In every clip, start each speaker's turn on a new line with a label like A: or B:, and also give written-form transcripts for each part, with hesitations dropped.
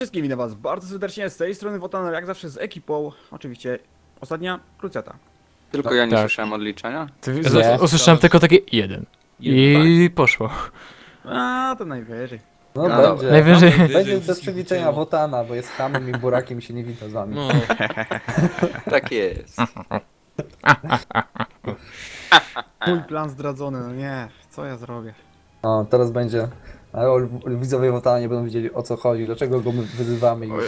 A: Wszystkim witam was bardzo serdecznie, z tej strony Wotan, jak zawsze z ekipą, oczywiście ostatnia krucjata.
B: Tylko ja nie
C: tak.
B: słyszałem odliczenia?
C: Usłyszałem tylko takie jeden. I poszło.
A: A to najwyżej.
D: No,
B: No
D: będzie.
C: Najwyżej.
D: Będzie bez przywitania Wotana, bo jest hamem i burakiem i się nie wita z wami.
E: No,
B: Tak jest.
A: Mój plan zdradzony, no nie, co ja zrobię?
D: No, teraz będzie. Ale widzowie Wotana nie będą wiedzieli o co chodzi, dlaczego go my wyzywamy i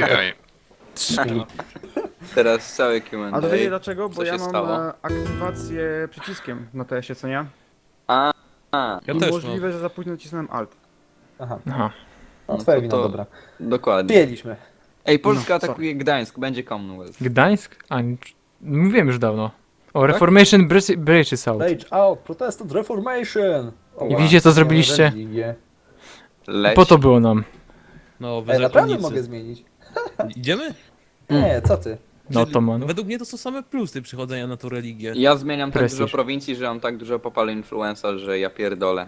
B: Teraz całe Q&A.
A: A to wiecie dlaczego? Bo
B: Co
A: ja
B: się
A: mam
B: stało?
A: aktywację przyciskiem na TS-ie, co nie?
B: A,
E: ja
A: I
E: też
A: możliwe, że za późno nacisnąłem Alt.
D: Aha,
C: Aha.
D: no
B: No
D: twoja
B: to
D: wina,
B: to-
D: dobra.
B: dokładnie.
D: Przyjęliśmy.
B: Ej, Polska
A: No,
B: atakuje Gdańsk, będzie Commonwealth.
C: Gdańsk? Mówiłem już dawno. O, Reformation Breaches Out.
D: Rage out, protest and reformation! O,
C: I widzicie, co
D: wow,
C: zrobiliście?
D: religię.
B: Leć.
C: Po to było nam.
E: No,
D: Ej, naprawdę mogę
E: zakonnicy.
D: zmienić.
E: Idziemy?
D: Nie, co ty?
C: No to man.
E: Według mnie to są same plusy przychodzenia na tą religię.
B: Ja zmieniam tak
C: Prestiż.
B: dużo prowincji, że mam tak dużo popal influenza, że ja pierdolę.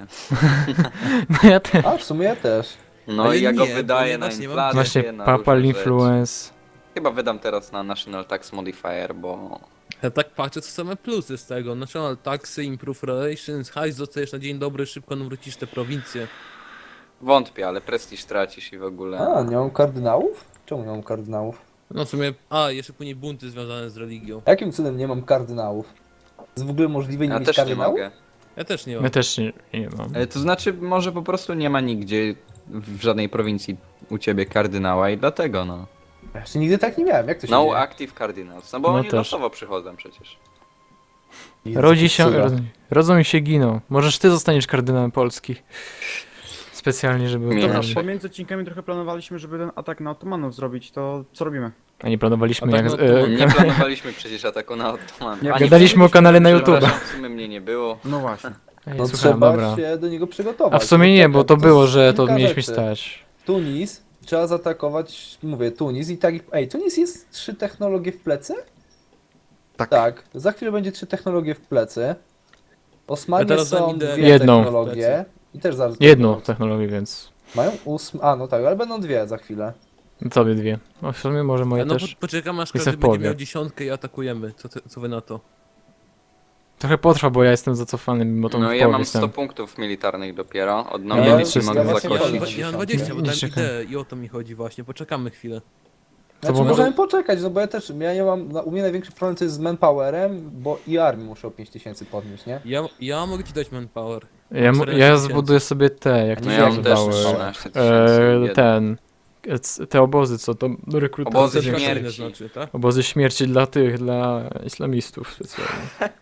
C: No ja też.
D: A, w sumie ja też.
B: No
E: Ale
B: i ja go
E: nie, bo
B: wydaję
E: ja
B: na
E: właśnie mam-
B: inflację,
C: Właśnie
B: na
C: Papal
B: różne rzeczy.
C: Influence.
B: Chyba wydam teraz na National Tax Modifier, bo...
E: Ja tak patrzę, co same plusy z tego. National taxy, improve relations, hajs dostajesz na dzień dobry, szybko nawrócisz te prowincje.
B: Wątpię, ale prestiż tracisz i w ogóle...
D: A, nie mam kardynałów? Czemu nie mam kardynałów?
E: No w sumie, jeszcze później bunty związane z religią.
D: Jakim cudem nie mam kardynałów? Jest w ogóle możliwe nie
B: Ja
D: mieć
B: też nie
D: kardynałów?
B: mogę.
E: Ja też nie
C: Ja
E: mam.
C: też nie mam.
B: To znaczy, może po prostu nie ma nigdzie w żadnej prowincji u ciebie kardynała i dlatego no.
D: Ja jeszcze nigdy tak nie miałem, jak to się
B: No
D: dzieje?
B: active cardinals, no bo
C: No
B: oni
C: też.
B: losowo przychodzą przecież.
D: Jezu,
C: Rodzi się,
D: cuda.
C: rodzą i się giną. Możesz ty zostaniesz kardynałem Polski. Specjalnie, żeby...
B: Nie.
A: Dobra,
B: Nasze.
A: pomiędzy odcinkami trochę planowaliśmy, żeby ten atak na Ottomanów zrobić, to co robimy?
C: A nie planowaliśmy
E: A tak,
C: jak...
E: no to
B: Nie planowaliśmy przecież ataku na Ottoman.
A: Nie,
B: Ani
C: gadaliśmy o kanale na YouTube.
B: przepraszam, w sumie mnie nie było.
A: No właśnie.
C: Ej,
D: No
C: słucham,
D: trzeba
C: dobra.
D: się do niego przygotować.
C: A w sumie nie, bo to
D: Czekaj,
C: było,
D: jest
C: że to
D: kilka
C: mieliśmy
D: rzeczy.
C: stać.
D: Tunis, trzeba zaatakować, mówię, Tunis i tak... Ej, Tunis jest 3 technologie w plecy?
A: Tak.
D: Tak, za chwilę będzie 3 technologie w plecy. Osmanie
E: Ja teraz za
D: są
E: nim idę.
D: 2
C: Jedną.
D: technologie. I też zaraz...
C: Jedną technologię, więc...
D: Mają 8... A, no tak, ale będą 2 za chwilę.
C: Tobie dwie. No w sumie może moje
E: No
C: też.
E: poczekamy aż
C: Jestem
E: każdy
C: w
E: będzie
C: połowie.
E: miał 10 i atakujemy. Co wy na to?
C: Trochę potrwa, bo ja jestem zacofany, mimo to
B: No
C: w
B: ja
C: połowie
B: mam
C: jestem.
B: 100 punktów militarnych dopiero. Od
D: Ja
B: nowej
D: mam
B: misji
C: 300.
B: mogę
C: Ja
D: właśnie
B: zakosić.
E: Ja mam 20, bo
C: Nie
E: dałem
C: czekam.
E: ideę i o to mi chodzi właśnie. Poczekamy chwilę.
D: Znaczy
C: bo-
D: możemy poczekać, no bo ja też, ja nie mam, u mnie największy problem to jest z manpowerem, bo i armii muszę o 5000 podnieść, nie?
E: Ja mogę ci dać manpower.
C: Ja
E: 14
C: zbuduję sobie te, jak
D: No
C: to
B: No
C: się
B: ja mam też
C: nazywały.
B: 13 tysięcy.
C: Te obozy, co to do rekrutacji.
B: Obozy
E: Zdecydowanie
B: śmierci.
E: znaczy, tak?
C: Obozy śmierci dla islamistów specjalnie.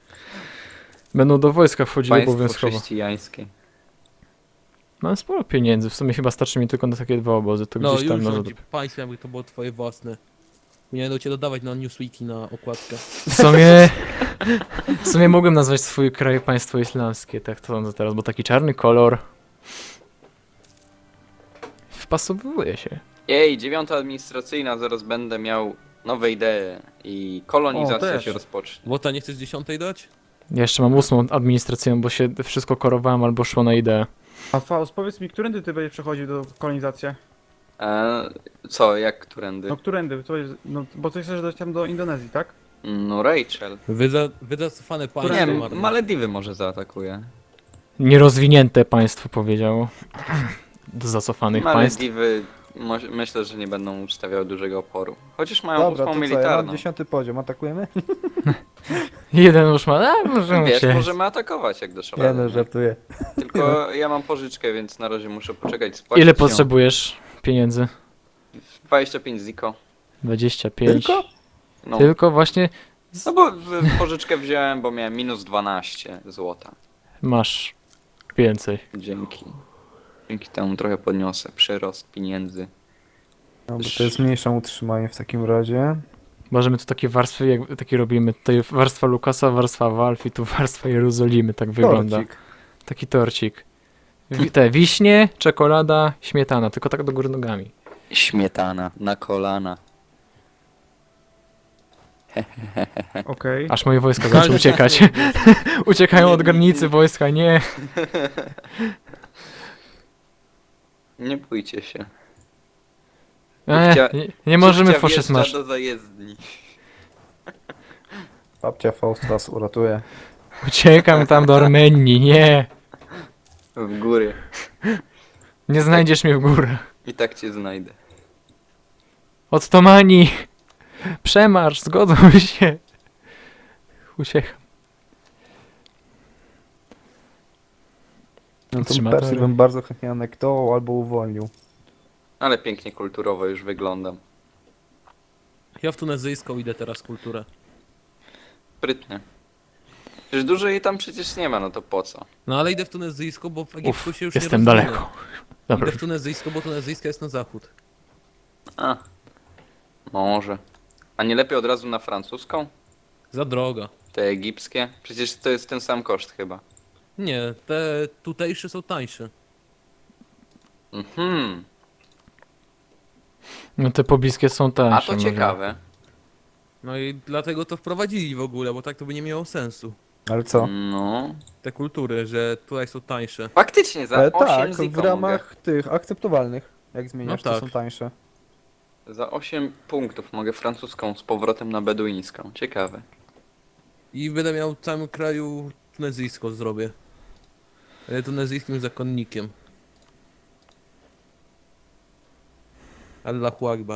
C: Będą do wojska wchodzili
B: Państwo
C: obowiązkowo.
B: chrześcijańskie.
C: Mam sporo pieniędzy, w sumie chyba starczy mi tylko na takie 2 obozy, to
E: No
C: gdzieś tam
E: już
C: może...
E: rządzi państwem, jakby to było twoje własne. Nie będą cię dodawać na Newsweeki na okładkę.
C: W sumie mogłem nazwać swój kraj państwo islamskie, tak to sądzę teraz, bo taki czarny kolor wpasowuje się.
B: Jej, 9 administracyjna, zaraz będę miał nowe idee i kolonizacja
A: też.
B: się rozpocznie.
E: Wota, nie chcesz 10 dać?
C: Ja jeszcze mam 8 administrację, bo się wszystko korowałem albo szło na ideę.
A: A Faust, powiedz mi, którędy ty będziesz przechodził do kolonizacji?
B: Co, jak którędy?
A: No którędy? To jest, no, bo ty chcesz dojść tam do Indonezji, tak?
B: No Rachel.
E: Wyzacofane
B: Nie,
E: państwo marne.
B: Malediwy może zaatakuje.
C: Nierozwinięte państwo powiedziało. Do zacofanych państw.
B: Malediwy myślę, że nie będą stawiały dużego oporu. Chociaż mają
D: Dobra,
B: 8
D: to co, ja mam
B: militarną.
D: 10 poziom, atakujemy?
C: Jeden już ma, możemy
B: Wiesz,
C: się.
B: możemy atakować jak dasz
D: Nie
B: radę.
D: no, żartuję.
B: Tylko ja mam pożyczkę, więc na razie muszę poczekać. Spłacić
C: Ile
B: ją.
C: potrzebujesz pieniędzy?
B: 25 ziko.
C: 25.
D: Tylko?
B: No.
C: Tylko właśnie
B: No bo pożyczkę wziąłem, bo miałem minus 12 złota.
C: masz więcej.
B: Dzięki. Dzięki temu trochę podniosę przyrost pieniędzy.
D: No bo to jest mniejsze utrzymanie w takim razie.
C: Możemy tu takie warstwy, jak takie robimy. Tutaj warstwa Lukasa, warstwa Valve i tu warstwa Jerozolimy, tak wygląda.
D: Torcik.
C: Taki torcik. Te wiśnie, czekolada, śmietana, tylko tak do góry nogami.
B: Śmietana na kolana.
A: Okej.
C: Aż moje wojska zaczęły uciekać. Uciekają od granicy wojska, nie.
B: Nie bójcie się.
C: Nie możemy
B: Córcia
C: Foszy
B: wjeżdża
C: Smash.
B: do zajezdni.
D: Babcia Faust was uratuje.
C: Uciekam tam do Armenii, nie.
B: W góry.
C: Nie znajdziesz mnie w górach.
B: I tak cię znajdę.
C: Ottomani! Przemarsz, zgodzą się. Uciekam.
D: No to
C: Trzymatory.
D: Persji bym bardzo chętnie anektował albo uwolnił.
B: Ale pięknie kulturowo już wyglądam.
E: Ja w tunezyjską idę teraz kulturę.
B: Sprytnie. Przecież dużo jej tam przecież nie ma, no to po co?
E: No ale idę w tunezyjską, bo w Egiptu
C: Uff,
E: się już
C: jestem
E: nie rozwinie.
C: daleko. Dobra.
E: Idę w tunezyjską, bo tunezyjska jest na zachód.
B: A. Może. A nie lepiej od razu na francuską?
E: Za droga.
B: Te egipskie? Przecież to jest ten sam koszt chyba.
E: Nie, te tutejsze są tańsze.
B: Mhm.
C: No te pobliskie są tańsze.
B: A to
C: może.
B: ciekawe.
E: No i dlatego to wprowadzili w ogóle, bo tak to by nie miało sensu.
D: Ale co?
B: No.
E: Te kultury, że tutaj są tańsze.
B: Faktycznie za 8
D: Tak,
B: ziko
D: w ramach tych akceptowalnych. Jak zmieniasz,
E: No
D: to
E: tak.
D: są tańsze.
B: Za 8 punktów mogę francuską z powrotem na beduińską. Ciekawe.
E: I będę miał w całym kraju tunezyjską zrobię. Ale tunezyjskim zakonnikiem. Allahu Akbar.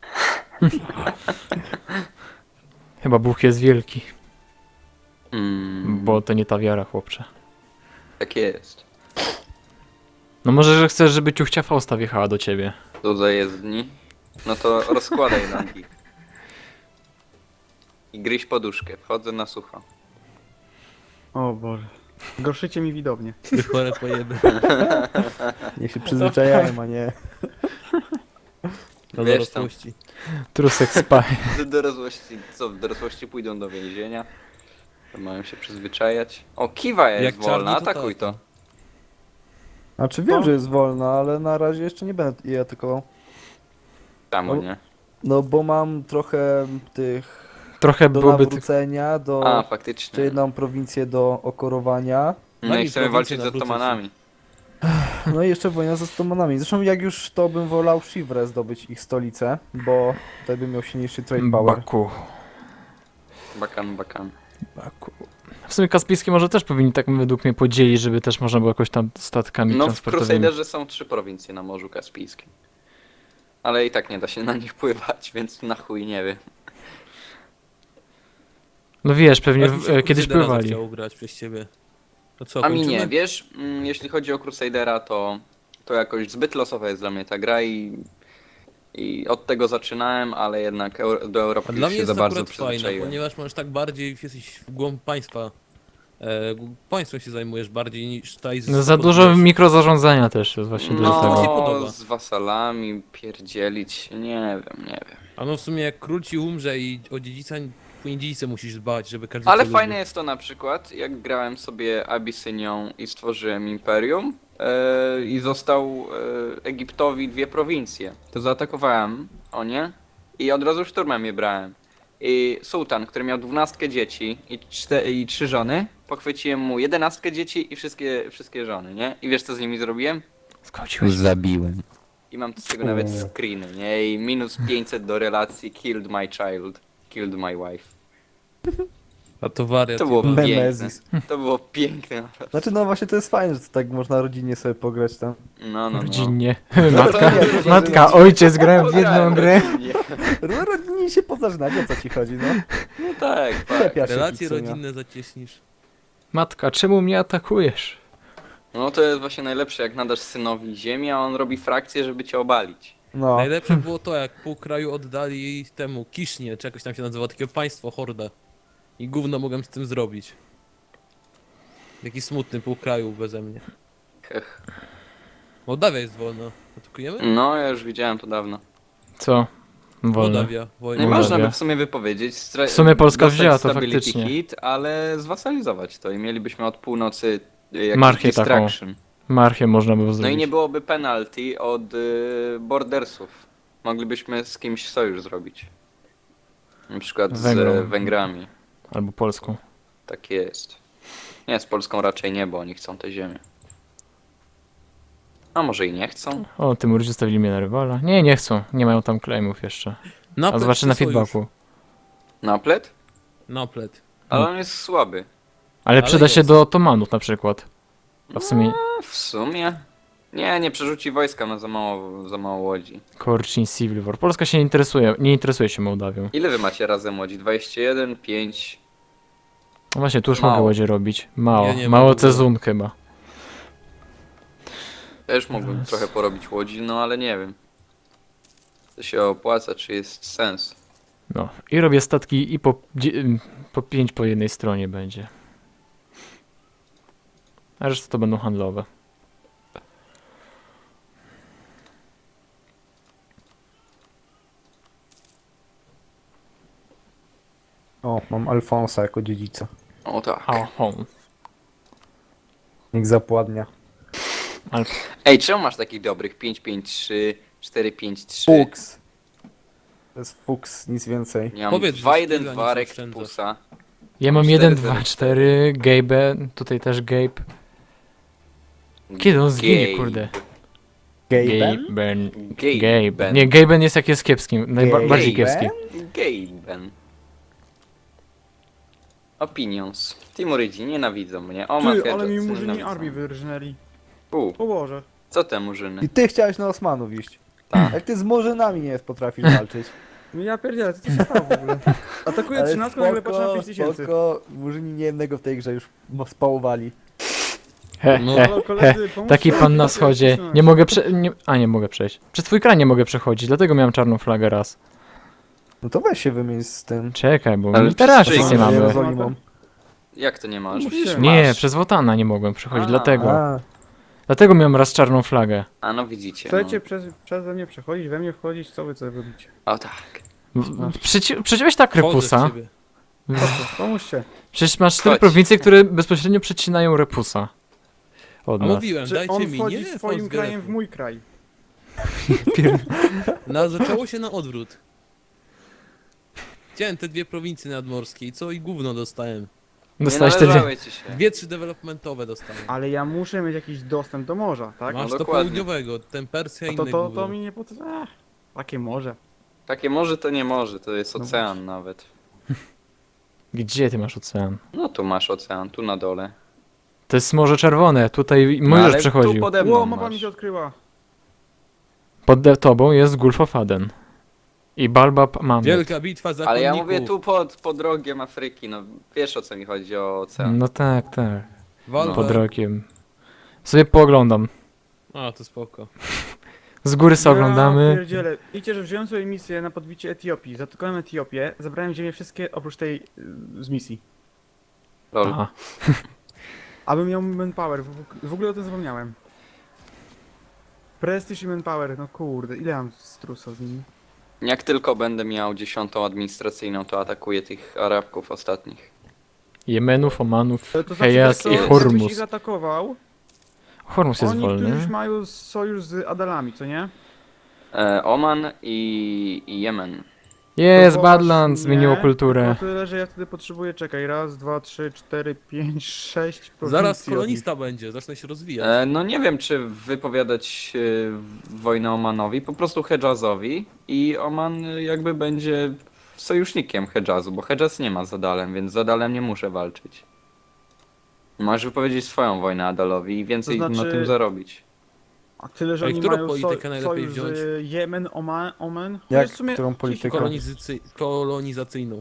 C: Chyba Bóg jest wielki,
B: Mm,
C: bo to nie ta wiara, chłopcze.
B: tak jest.
C: No może, że chcesz, żeby ciuchcia Fausta wjechała do ciebie.
B: Do zajezdni. No to rozkładaj nogi. I gryź poduszkę. Wchodzę na sucho.
A: O Boże. Gorszycie mi widownię.
E: Ty chore pojeby.
D: Niech się przyzwyczajają, a nie...
E: Do
B: Wiesz tam.
E: dorosłości.
C: Trusek spy.
B: Do dorosłości, co? W dorosłości pójdą do więzienia. To mają się przyzwyczajać. O, kiwa jest
E: Jak
B: wolna,
E: czarny, to
B: atakuj
E: tak.
B: to.
D: Znaczy wiem, że jest wolna, ale na razie jeszcze nie będę jej atakował.
B: Czemu
D: No.
B: nie?
D: No bo mam trochę tych
C: Trochę
D: do
C: byłoby tych...
D: nawrócenia,
B: A,
D: jeszcze
B: faktycznie.
D: jedną prowincję do okorowania.
B: No
E: Daj
B: i
E: mi
B: chcemy
E: prowincję,
B: walczyć z
E: nawrócę się.
B: Ottomanami.
D: No i jeszcze wojna z Ottomanami. Zresztą jak już to bym wolał Shivre zdobyć ich stolicę, bo wtedy bym miał silniejszy trade power.
C: Baku.
B: Bakan, bakan.
C: Baku. W sumie Kaspijskie może też powinni tak według mnie podzielić, żeby też można było jakoś tam statkami
B: No w
C: transportowymi.
B: Crusaderze są 3 prowincje na Morzu Kaspijskim. Ale i tak nie da się na nich pływać, więc na chuj nie wiem.
C: No wiesz, pewnie
E: Aż mi się
C: kiedyś
E: Crusadera
C: pływali.
E: zachciało grać przez ciebie. To co,
B: A mi
E: kończymy?
B: nie, wiesz, jeśli chodzi o Crusadera, to jakoś zbyt losowa jest dla mnie ta gra i od tego zaczynałem, ale jednak do
E: A
B: Europy
E: dla
B: już
E: mnie
B: się
E: jest
B: za
E: to
B: bardzo
E: akurat fajne,
B: przyzwyczaiłem.
E: ponieważ możesz tak bardziej, jesteś w głąb państwa. Państwem się zajmujesz bardziej niż tutaj
C: No za dużo mikrozarządzania też jest właśnie
E: No, to mi się
C: dlatego.
E: podoba.
B: z wasalami pierdzielić, nie wiem.
E: A no w sumie jak król ci umrze i o dziedzica, później dziedzice musisz dbać, żeby każdy
B: Ale
E: cię
B: fajne
E: lubił.
B: jest to na przykład, jak grałem sobie Abysynią i stworzyłem imperium i został Egiptowi 2 prowincje. To zaatakowałem nie i od razu szturmem je brałem. I sułtan, który miał 12 dzieci i 3 żony, pochwyciłem mu 11 dzieci i wszystkie żony, nie? I wiesz co z nimi zrobiłem?
C: Skończyłeś.
B: Zabiłem. I mam z tego nawet
D: O.
B: screeny, nie? I minus 500 do relacji killed my child, killed my wife.
E: A to wariat.
B: To było
E: jebany.
B: piękne.
D: Nemezis.
B: To było piękne naprawdę.
D: Znaczy no właśnie to jest fajne, że to tak można rodzinnie sobie pograć tam.
B: No.
C: Rodzinnie.
D: No
C: Matka,
D: to nie, to
C: matka, ojciec grałem w jedną grę.
D: No rodzinnie się pozażynać, o co ci chodzi, no?
B: No tak, tak.
D: Lepia się
E: Relacje
D: kicunia.
E: rodzinne zacieśnisz.
C: Matka, czemu mnie atakujesz?
B: No to jest właśnie najlepsze, jak nadasz synowi ziemię, a on robi frakcję, żeby cię obalić.
D: No,
E: Najlepsze było to, jak pół kraju oddali temu Kisznie, czy jakoś tam się nazywa, takie państwo, hordę. I gówno mogłem z tym zrobić. Taki smutny pół kraju beze mnie.
B: Hech.
E: Mołdawia jest wolna. Atakujemy?
B: No, ja już widziałem to dawno.
C: Co? Wolne.
E: Mołdawia,
B: Nie
E: wojna.
C: Mołdawia.
B: można by w sumie wypowiedzieć.
C: W sumie Polska
B: dostać
C: wzięła to
B: stability
C: faktycznie.
B: hit, ale zwasalizować to i mielibyśmy od północy jakiś
C: Marchię taką
B: distraction.
C: Marchię można było
B: No
C: zrobić.
B: i nie byłoby penalty od bordersów. Moglibyśmy z kimś sojusz zrobić. Na przykład
C: Węgrom.
B: z Węgrami.
C: Albo Polską.
B: Tak jest. Nie, z Polską raczej nie, bo oni chcą te ziemię. A może i nie chcą?
C: O, Tymurzy zostawili mnie na rywala. Nie, nie chcą. Nie mają tam claimów jeszcze. A
E: Naplet
C: zobaczę na
E: czy sojusz?
C: feedbacku.
B: Naplet?
E: Naplet.
B: Ale on jest słaby.
C: Ale przyda się
E: jest.
C: do otomanów na przykład. A w sumie
B: A w sumie? Nie przerzuci wojska, ma za mało łodzi.
C: Korczyn, Civil War. Polska się nie interesuje się Mołdawią.
B: Ile wy macie razem łodzi? 21, 5...
C: No właśnie, tu już
B: Mało.
C: mogę łodzie robić. Mało.
E: Ja nie mam
C: Mało
E: w ogóle.
C: cezun chyba.
B: Też mógłbym trochę porobić łodzi, no ale nie wiem. To się opłaca, czy jest sens.
C: No. I robię statki i po 5 po jednej stronie będzie. A reszta to będą handlowe.
D: O, mam Alfonsa jako dziedzica.
B: O tak.
C: Ahą.
D: Niech zapładnia.
B: Ej, czemu masz takich dobrych 5-5-3, 4-5-3?
D: Fuks. To jest fuks, nic więcej.
B: Ja mam
E: Powiedz, że
B: 2-1-2
E: skilla nic
B: Rektusa.
C: Ja mam
B: 4,
C: 1, 2, 4, Gabe, tutaj też Gabe. Kiedy on zginie, kurde?
D: Gaben?
C: Gaben.
B: Gaben.
C: Gabe. Nie, Gaben jest jak jest kiepskim, najbardziej
D: Gaben?
C: kiepski.
B: Gaben. Opinions. Timurydzi nienawidzą mnie. O,
A: Ty, ale mi murzyni
B: nienawidzą.
A: armii wyrżnęli.
B: U,
A: O Boże.
B: co te murzyny?
D: I ty chciałeś na Osmanów iść.
B: Tak.
D: Jak ty z Murzynami nie potrafisz walczyć.
A: No ja pierdzielę, co to się stało w ogóle? Atakuję 13, nagle patrzę na 5000.
D: spoko, Murzyni niejednego w tej grze już spałowali.
C: He,
E: No.
C: he,
A: Halo, koledzy, pomóżcie
C: taki
A: mi,
C: pan na
A: ja
C: wschodzie.
A: wcisnąłem.
C: Nie mogę nie mogę przejść. Przez twój kran nie mogę przechodzić, dlatego miałem czarną flagę raz.
D: No to weź się wymień z tym.
C: Czekaj, bo
B: Ale
C: militaracji
B: przez
C: nie
B: czyj?
C: mamy.
D: Jerozolimą.
B: Jak to nie masz?
A: Mów
B: Przecież
A: się.
C: Nie,
B: masz.
C: przez Wotana nie mogłem przechodzić,
B: A.
C: dlatego.
D: A,
C: Dlatego miałem raz czarną flagę.
B: A no widzicie.
A: Chcecie przeze mnie przechodzić, we mnie wchodzić, co wy robicie?
B: No. O tak.
C: Przeciąłeś tak
E: Wchodzę w
C: repusa.
E: ciebie.
A: Pomóżcie.
C: Przecież masz 4
B: Chodź.
C: prowincje, które bezpośrednio przecinają repusa. Od
E: A
C: nas.
E: mówiłem,
A: Czy
E: dajcie
A: on
E: mi,
A: wchodzi
E: nie
A: swoim
E: wchodź
A: krajem w
E: Geretu.
A: mój kraj?
E: Zaczęło się na odwrót. Chciałem te dwie prowincje nadmorskie i co i gówno dostałem.
C: Dostałeś
B: nie
C: te
B: należały ci się.
E: 2-3 developmentowe dostałem.
A: Ale ja muszę mieć jakiś dostęp do morza, tak?
E: Masz
B: No
E: to
B: dokładnie.
E: południowego, ten Persja i
A: A
E: inne
A: to
E: gówno.
A: mi nie potrzeba. Takie morze.
B: Takie może to nie może, to jest
A: No
B: ocean nawet.
C: Gdzie ty masz ocean?
B: No tu masz ocean, tu na dole.
C: To jest Morze Czerwone, tutaj
B: No,
C: możesz
B: ale
C: przechodził.
B: tu pode mną
A: Ło, mapa mi
B: masz.
A: się odkryła.
C: Pod tobą jest Gulf of Aden. I Balbab mamy.
E: Wielka bitwa zakonników.
B: Ale ja mówię tu pod rogiem Afryki, no wiesz o co mi chodzi, o ocean.
C: No tak, tak.
E: Walwa.
C: Pod rokiem. Sobie pooglądam.
E: A, to spoko.
C: Z góry sobie oglądamy.
A: Ja pierdzielę. Widzicie, że wziąłem sobie misję na podbicie Etiopii. Zatykałem Etiopię, zabrałem ziemię wszystkie oprócz tej z misji.
B: Lol.
C: Aha.
A: Abym miał manpower, w ogóle o tym zapomniałem. Prestige i manpower, no kurde, ile mam strusa z nimi?
B: Jak tylko będę miał 10. administracyjną, to atakuję tych Arabków ostatnich.
C: Jemenów, Omanów,
A: To znaczy,
C: Hejas
A: co,
C: i
A: jakbyś
C: Hormuz.
A: ich zaatakował,
C: Hormuz jest
A: oni któryś
C: wolny.
A: mają sojusz z Adalami, co nie?
B: Oman i Jemen.
C: Jest,
A: To
C: Badland
A: właśnie,
C: zmieniło kulturę.
A: Tylko tyle, że ja wtedy potrzebuję, czekaj, raz, dwa, trzy, cztery, pięć, sześć prowincji.
E: Zaraz
A: od nich.
E: kolonista będzie, zacznę się rozwijać.
B: No nie wiem, czy wypowiadać wojnę Omanowi, po prostu Hedżazowi i Oman jakby będzie sojusznikiem Hedżazu, bo Hedżaz nie ma z Adalem, więc z Adalem nie muszę walczyć. Możesz wypowiedzieć swoją wojnę Adalowi i więcej
A: To znaczy-
B: na tym zarobić.
A: A tyle, że
E: Ej,
A: oni
E: którą
A: mają
E: politykę najlepiej
A: sojusz
E: wziąć?
A: z Jemen, Oman.
D: Jak,
A: Chociaż w sumie
D: którą
A: cicho.
D: politykę?
E: Kolonizacyjną.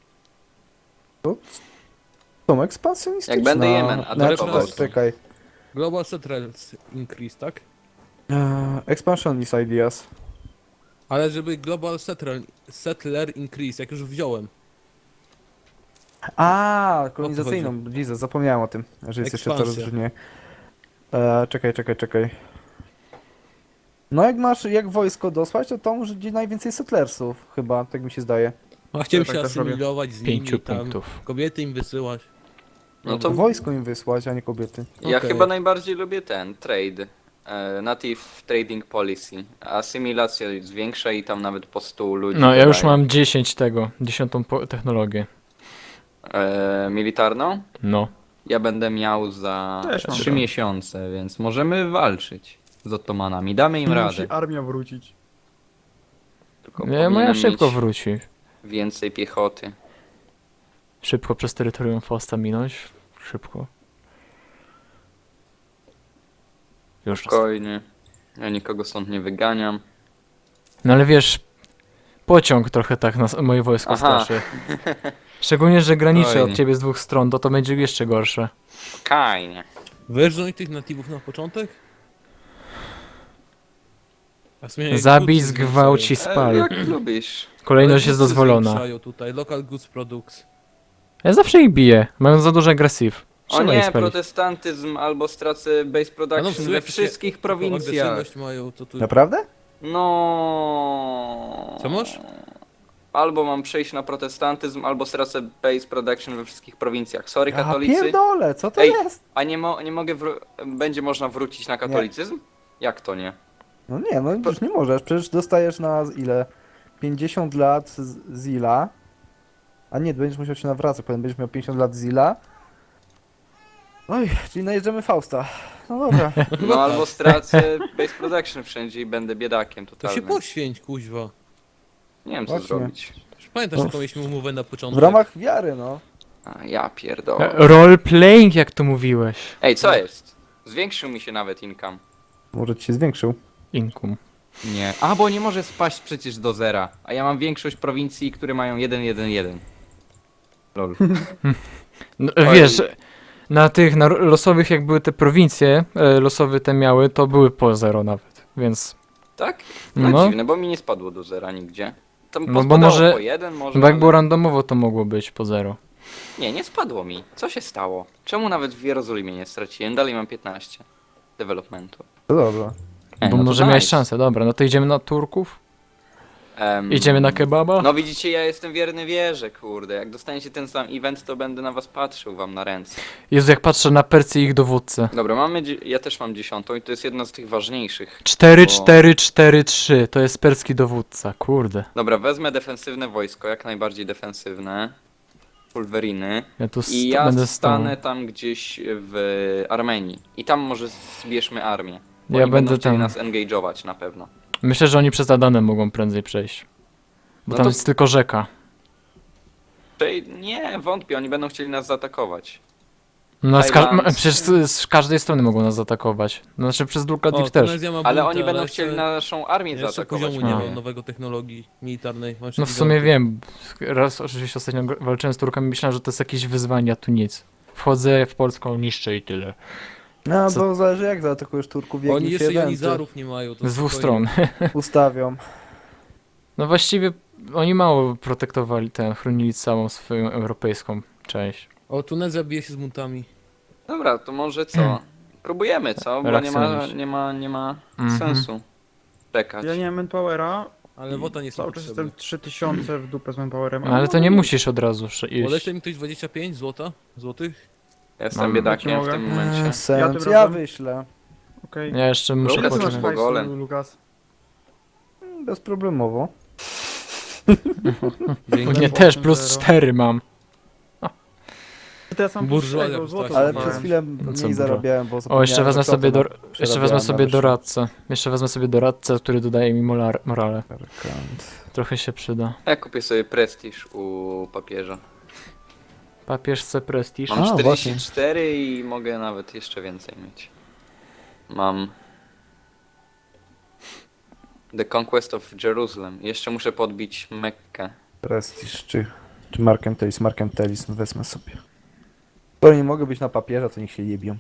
D: Są ekspansjonistyczne.
B: Jak będę Jemen atakował,
D: tak, czekaj.
E: Global Settlers Increase, tak?
D: Expansionist ideas.
E: Ale żeby Global Settler Increase, jak już wziąłem.
D: A, kolonizacyjną. Jesus, zapomniałem o tym, że jest jeszcze to
E: Ekspansja.
D: rozróżnienie. Czekaj. No jak wojsko dosłać, to może gdzie najwięcej settlersów, chyba, tak mi się zdaje.
E: A chciałem
A: tak
E: się
A: też robię.
E: asymilować z
C: 5
E: nimi tam.
C: punktów.
E: Kobiety im wysyłać.
B: No to
D: Wojsko im wysłać, a nie kobiety.
B: ja
E: Okej.
B: chyba najbardziej lubię ten, trade. Native Trading Policy. Asymilacja jest większa i tam nawet po 100 ludzi
C: No, ja już
B: dodają.
C: mam 10 technologię.
B: Militarną?
C: No.
B: Ja będę miał za
A: Też mam
B: 3
A: trochę.
B: miesiące, więc możemy walczyć. z Ottomanami. Damy im radę.
A: Musi armia wrócić.
B: Tylko
C: Nie, moja
B: powinienem
C: szybko
B: mieć
C: wróci.
B: więcej piechoty.
C: Szybko przez terytorium Fausta minąć. Szybko. Już.
B: Spokojnie. Ja nikogo stąd nie wyganiam.
C: No ale wiesz, pociąg trochę tak na moje wojsko
B: Aha.
C: straszy. Szczególnie, że graniczy
B: Fajnie.
C: od ciebie z dwóch stron, to będzie jeszcze gorsze.
B: Kajnie.
E: Wyrżnąć tych natywów na początek? A w sumie
C: Zabij,
E: goods się
C: zgwałć i
E: zwiększają.
C: spal.
B: Jak lubisz.
C: Kolejność
E: Ale
C: jest
E: goods się
C: dozwolona.
E: zwiększają tutaj, local goods products.
C: Ja zawsze ich biję, mają za duży agresyw.
B: O
C: Trzeba ich
B: nie,
C: spalić.
B: protestantyzm albo stracę base
E: A no, w
B: production
E: sumie
B: we
E: jak się
B: wszystkich
E: taką
B: prowincjach.
E: agresywność mają, to tu...
D: Naprawdę?
B: No.
E: Co masz?
B: Albo mam przejść na protestantyzm, albo stracę base production we wszystkich prowincjach. Sorry,
D: Ja
B: katolicy.
D: pierdolę, co to
B: Ej.
D: jest?
B: A nie mogę, będzie można wrócić na katolicyzm? Jak to nie?
D: No nie, no już nie możesz, przecież dostajesz na ile? 50 lat Zila. A nie, będziesz musiał się nawracać, potem będziesz miał 50 lat Zila. Oj, czyli najeżdżamy Fausta. No dobra.
B: No albo stracę base production wszędzie i będę biedakiem
E: To się
B: totalnym.
E: poświęć, kuźwa.
B: Nie wiem co
D: Właśnie.
B: zrobić.
E: Już pamiętasz,
D: No.
E: jaką mieliśmy umowę na
D: W
E: początku?
D: ramach wiary, no.
B: A ja pierdolę.
C: Role playing, jak to mówiłeś.
B: Ej, co jest? Zwiększył mi się nawet income.
D: Może ci się zwiększył.
C: Inkum.
B: Nie. A, bo nie może spaść przecież do zera. A ja mam większość prowincji, które mają 1-1-1. Lol.
C: No,
B: Oj.
C: wiesz, na losowych jak były te prowincje, losowe te miały, to były po 0 nawet, więc...
B: Tak? No,
C: No.
B: dziwne, bo mi nie spadło do zera nigdzie. Tam
C: No bo
B: pospadało
C: może-
B: po 1 może,
C: Bo jak
B: ale-
C: było randomowo, to mogło być po 0.
B: Nie spadło mi. Co się stało? Czemu nawet w Jerozolimie nie straciłem? Dalej mam 15 developmentu.
D: To dobra.
C: Bo
B: no to
C: może miałeś
B: nice.
C: szansę, dobra, no to idziemy na Turków? Idziemy na kebaba?
B: No widzicie, ja jestem wierny wierze, kurde. Jak dostaniecie ten sam event, to będę na was patrzył wam na ręce.
C: Jezu, jak patrzę na Percję i ich dowódcę.
B: Dobra, ja też mam 10 i to jest jedna z tych ważniejszych.
C: 4,
B: Bo-
C: 4, 4, 3, to jest perski dowódca, kurde.
B: Dobra, wezmę defensywne wojsko, jak najbardziej defensywne. Pulweriny.
C: Ja tu
B: I ja
C: będę stał.
B: stanę tam gdzieś w Armenii. I tam może zbierzmy armię. Bo
C: Ja
B: oni
C: będę
B: będą chcieli
C: tam.
B: nas engage'ować na pewno.
C: Myślę, że oni przez Adanę mogą prędzej przejść. Bo
B: No
C: tam
B: to-
C: jest tylko rzeka.
B: Nie, wątpię, oni będą chcieli nas zaatakować.
C: No,
B: Tajland.
C: przecież z każdej strony mogą nas zaatakować. Znaczy przez Dulka
E: O,
C: Deep też.
E: Tunezja ma
B: Ale
E: bunty,
B: oni będą
E: ale
B: chcieli
E: jeszcze-
B: naszą armię
E: Jeszcze
B: zaatakować.
E: poziomu nie
C: No.
E: ma nowego technologii militarnej. Masz
C: No w
E: gigantów.
C: sumie wiem. Raz oczywiście ostatnio walczyłem z Turkami, myślałem, że to jest jakieś wyzwanie, a tu nic. Wchodzę w Polską, niszczę i tyle.
D: No,
C: Co-
D: to zależy jak zaatakujesz Turków, jak
E: Oni
D: ich
E: jeszcze
D: eventy
E: jonizarów nie mają. To
C: Z dwóch
E: spokojnie.
C: stron.
D: ustawią.
C: No właściwie oni mało protektowali chronili całą swoją europejską część.
E: O, Tunezja bije się z buntami.
B: Dobra, to może co? Próbujemy, co? Bo
C: Reakcjonujesz.
B: nie ma
C: Mhm.
B: sensu czekać.
A: Ja nie mam manpowera.
E: Ale wota nie są
A: Cały czas
E: potrzebne.
A: jestem 3000 w dupę z manpowerem.
C: No, ale to nie musisz od razu iść.
E: Podeślę mi ktoś 25 złotych?
B: Jestem
C: Mam-
B: biedakiem w
A: mogę.
B: tym momencie.
D: Sens,
A: tym
D: ja
A: razem-
D: wyślę.
A: Okej.
C: Ja jeszcze muszę
B: Lukas
A: Ile ty masz
B: masz
C: poczekać.
B: Bogole.
A: hajsu, Lukas?
D: Bezproblemowo.
C: Nie, też plus 4 mam.
A: To ja sam
E: Burżuazja
A: tego
E: postaci.
A: złota
D: Ale
E: Zobacz.
D: przez
A: zbierałem.
D: chwilę
C: Co
D: mniej
C: dużo.
D: zarabiałem, bo
C: O, jeszcze wezmę sobie,
D: przerabiałem na
C: doradcę. Jeszcze wezmę sobie doradcę, który dodaje mi morale.
D: Merkant.
C: Trochę się przyda.
B: Ja kupię sobie prestiż u papieża.
C: Papież C prestiż.
B: Mam
D: A,
B: 44 i mogę nawet jeszcze więcej mieć. Mam The Conquest of Jerusalem. Jeszcze muszę podbić Mekkę.
D: Prestiż, czy Markem Telis? Markem Telis, no wezmę sobie. To nie mogę być na papierze, to niech się jebią.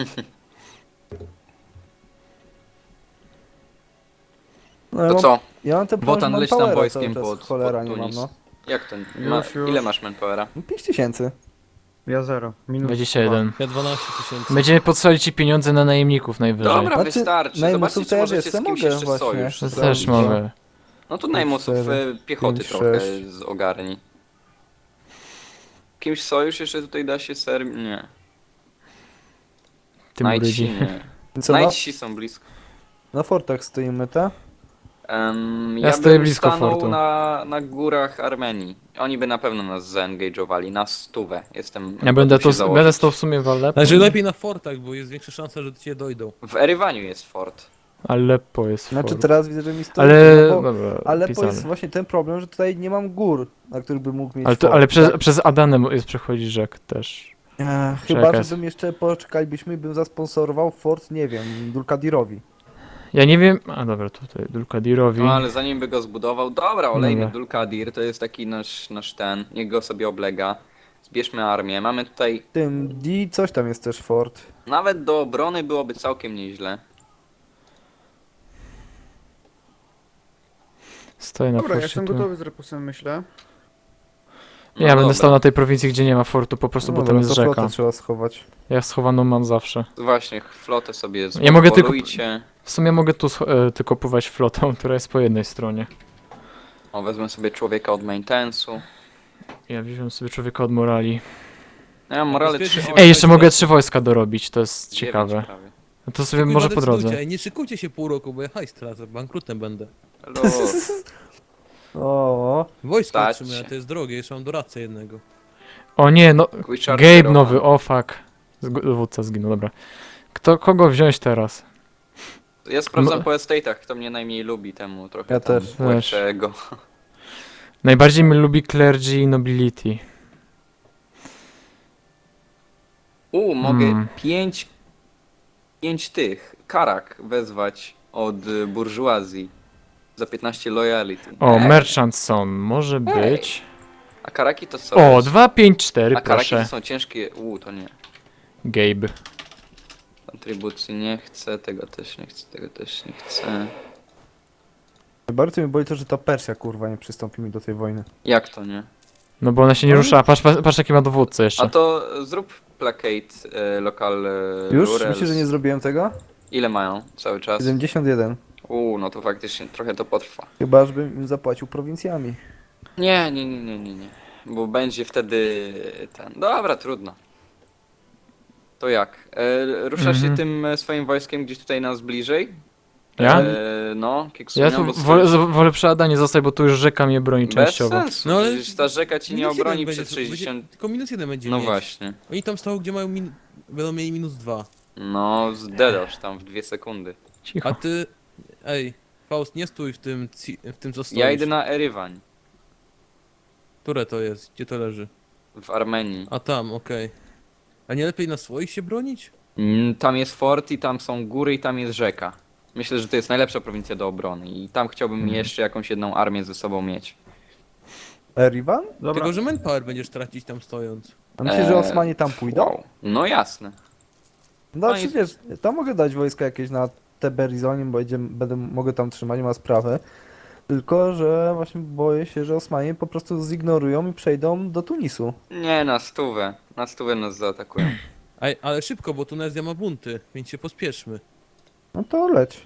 D: No, ja
B: To
D: mam,
B: co?
D: ja mam ten
B: Wotan,
D: plan
B: leć tam
D: manpowera
B: wojskiem
D: cały czas,
B: pod
D: cholera nie mam,
B: Tunis.
D: no.
B: Jak to?
A: Już.
B: Ile masz manpowera?
D: No 5000.
A: Ja 0. Minus
C: 21.
E: Ja 12 tysięcy.
C: Będziemy podsolić ci pieniądze na najemników najwyżej.
B: Dobra,
D: Znaczy,
B: wystarczy.
D: najmusów
B: Zobaczcie,
D: to
B: czy
D: ja
B: możecie
D: wiesz,
B: z
D: co
B: kimś
D: mogę
B: jeszcze
D: właśnie.
B: sojusz
C: To
B: zrobić.
C: też mogę.
B: No to najmusów
D: 4,
B: piechoty
D: 5,
B: trochę
D: 6.
B: z ogarni. Kimś sojusz jeszcze tutaj da się Nie.
C: Tym
B: Najci
C: ludzi.
B: nie.
D: Co,
B: Najci są blisko.
D: na fortach stoimy, te?
C: Ja stoję
B: bym
C: blisko
B: stanął
C: fortu.
B: na górach Armenii. Oni by na pewno nas zaengage'owali na 100. Jestem.
C: Ja będę
B: gotów się
C: będę
B: założyć.
C: stał w sumie w Aleppo.
E: Znaczy lepiej na fortach, bo jest większa szansa, że do ciebie dojdą.
B: W Erywaniu jest fort.
C: Aleppo jest
D: Znaczy
C: fort.
D: teraz widzę, że mi stoi.
C: Ale,
D: No bo
C: dobra,
D: Aleppo
C: pisane.
D: jest właśnie ten problem, że tutaj nie mam gór, na których bym mógł mieć
C: Ale,
D: fort,
C: ale przez,
D: tak?
C: przez Adanę jest przechodzi rzek też.
D: Chyba,
C: Czekaj.
D: żebym jeszcze poczekalibyśmy i bym zasponsorował fort, nie wiem, Dulkadirowi.
C: Ja nie wiem, a dobra, tutaj Dulkadirowi.
B: No ale zanim by go zbudował, dobra, olejmy
C: Dobra.
B: Dulkadir, to jest taki nasz ten, niech go sobie oblega. Zbierzmy armię, mamy tutaj,
D: Tym D coś tam jest też fort.
B: nawet do obrony byłoby całkiem nieźle.
C: Stoję na
A: Dobra, ja
C: forcie
A: jestem
C: tu.
A: gotowy z repusem, myślę.
B: No
C: Ja będę
B: dobra.
C: stał na tej prowincji, gdzie nie ma fortu, po prostu, bo
D: No
C: tam
D: dobra,
C: jest
D: to
C: rzeka.
D: flotę trzeba schować.
C: Ja schowaną mam zawsze.
B: Właśnie, flotę sobie
C: Ja mogę tylko-
B: zbolujcie.
C: W sumie mogę tu tylko pływać flotą, która jest po jednej stronie.
B: O, wezmę sobie człowieka od maintenance'u.
C: Ja wziąłem sobie człowieka od morali.
B: Ja mam morale
E: Bezpiecznie
B: 3,
E: się-
C: Ej, jeszcze mogę 3 wojska dorobić, to jest ciekawe.
B: prawie.
C: No to sobie
E: Kurwa,
C: może po
E: decydujcie,
C: drodze.
E: Ej, nie szykujcie się pół roku, bo ja hajs tracę, bankrutem będę.
B: Luz.
D: O,
E: Wojsko
B: Stać.
E: otrzymuję, to jest drogie, jeszcze mam doradcę jednego.
C: O nie, no
B: Quick
C: Gabe
B: Chargerowa.
C: nowy, o fuck. Dowódca zginął, dobra. Kogo wziąć teraz?
B: Ja sprawdzam
C: No-
B: po estate'ach, kto mnie najmniej lubi, temu trochę
D: Ja
B: tam
D: też.
B: płeczę go.
C: Najbardziej mnie lubi Clergy i Nobility.
B: Mogę
C: Hmm.
B: 5 tych karak wezwać od burżuazji za 15 loyalty.
C: O, Merchant Son, może być.
B: A karaki to są.
C: O, 2, 5, 4,
B: A karaki to
C: proszę.
B: są ciężkie. To nie.
C: Gabe.
B: Kontrybucji nie chcę, tego też nie chcę, tego też nie chcę.
D: bardzo mnie boli to, że ta Persja kurwa nie przystąpi mi do tej wojny.
B: Jak to nie?
C: No bo ona się nie rusza, patrz jaki ma dowódcę
B: A
C: jeszcze.
B: to zrób placate local
D: Już?
B: rurals.
D: Myślisz, że nie zrobiłem tego?
B: Ile mają cały czas?
D: 71.
B: No to faktycznie trochę to potrwa.
D: Chyba, żebym im zapłacił prowincjami.
B: Nie. Bo będzie wtedy ten. Dobra, trudno. To jak? Ruszasz się
C: Mhm.
B: tym swoim wojskiem gdzieś tutaj nas bliżej?
C: Ja?
B: No,
C: Ja
B: Kiksunia,
C: tu
B: bo
C: wolę przy Adanie zostać, bo tu już rzeka mnie broni
B: bez
C: częściowo.
B: sensu.
E: No ale
B: Przecież ta rzeka ci nie
E: minus
B: obroni
E: jeden
B: przed
E: będzie,
B: 60.
E: tylko -1 będzie
B: No
E: mieć.
B: właśnie.
E: Oni tam stoją, gdzie mają będą mieli -2.
B: No, zdedasz tam w 2 sekundy.
C: Cicho.
E: A ty, ej, Faust, nie stój w tym, w tym co stoisz.
B: Ja idę na Erywań
E: Które to jest? Gdzie to leży?
B: w Armenii.
E: A tam, okej. A nie lepiej na swoich się bronić?
B: Tam jest fort i tam są góry i tam jest rzeka. Myślę, że to jest najlepsza prowincja do obrony i tam chciałbym jeszcze jakąś jedną armię ze sobą mieć.
D: Erivan?
A: Dobra.
E: Tylko, że manpower będziesz tracić tam stojąc.
D: A myślisz, że Osmanie tam pójdą?
B: Wow. No jasne.
D: No
B: No i-
D: przecież, tam mogę dać wojska jakieś na Teberizonie, bo mogę tam trzymać, nie ma sprawy. Tylko, że właśnie boję się, że Osmanie po prostu zignorują i przejdą do Tunisu.
B: Nie, na stówę. Na stówę nas zaatakują.
E: Ej, ale szybko, bo Tunezja ma bunty, więc się pospieszmy.
D: No to leć.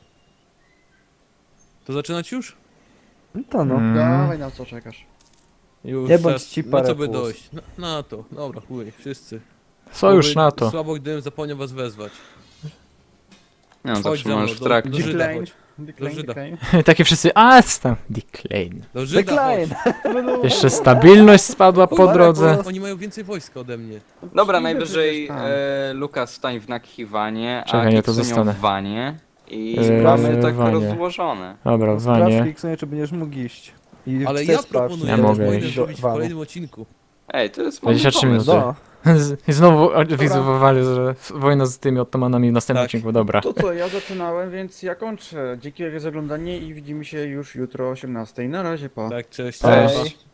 E: To zaczynać już?
D: No to no.
C: Mm.
A: Dawaj, na co czekasz?
E: Już.
D: Nie bądź
E: zaraz-
D: ci
E: Na
D: parę
E: co by
D: plus.
E: dojść? Na to. Dobra, chuj, wszyscy.
C: Sojusz
E: Bo
C: na to.
E: Słabo, gdybym zapomniał was wezwać.
B: Nie, no,
E: Chodź
B: zawsze
E: za mną,
B: możesz w
E: do
B: trakcie.
E: Żyda
A: Decline.
E: chodź.
A: Decline,
E: Żyda.
A: decline.
C: Takie wszyscy, a tam, decline.
E: Do Żyda
D: Decline!
E: chodź.
C: Jeszcze stabilność spadła po
E: Chuj,
C: drodze.
E: Oni mają więcej wojska ode mnie.
B: Dobra,
A: Idę
B: najwyżej
A: przecież tam.
B: Lukas stań w Nakhiwanie, a
C: Czekaj, ja to
B: Kiksunio
C: zostanę.
B: w Wanie. I
C: Eee,
B: mamy tak
C: Wanie.
B: rozłożone.
C: Dobra,
D: Sprawdź,
C: Wanie.
D: Kliksunie, czy będziesz mógł iść. I
E: Ale
D: chcę
E: ja
D: sprawdzić.
E: proponuję
C: Ja
E: tę
C: mogę
E: wojnę
C: iść.
E: zrobić w
D: Wanu.
E: kolejnym odcinku.
B: Ej, to jest mądry
C: 23
B: pomysł.
C: minuty.
D: No.
C: I znowu wizuowali, że wojna z tymi Ottomanami w następnym
E: Tak.
C: odcinku, dobra.
A: To co, ja zaczynałem, więc ja kończę. Dzięki za oglądanie i widzimy się już jutro o 18:00. Na razie, pa.
E: Tak, cześć.
C: Cześć.
E: Pa.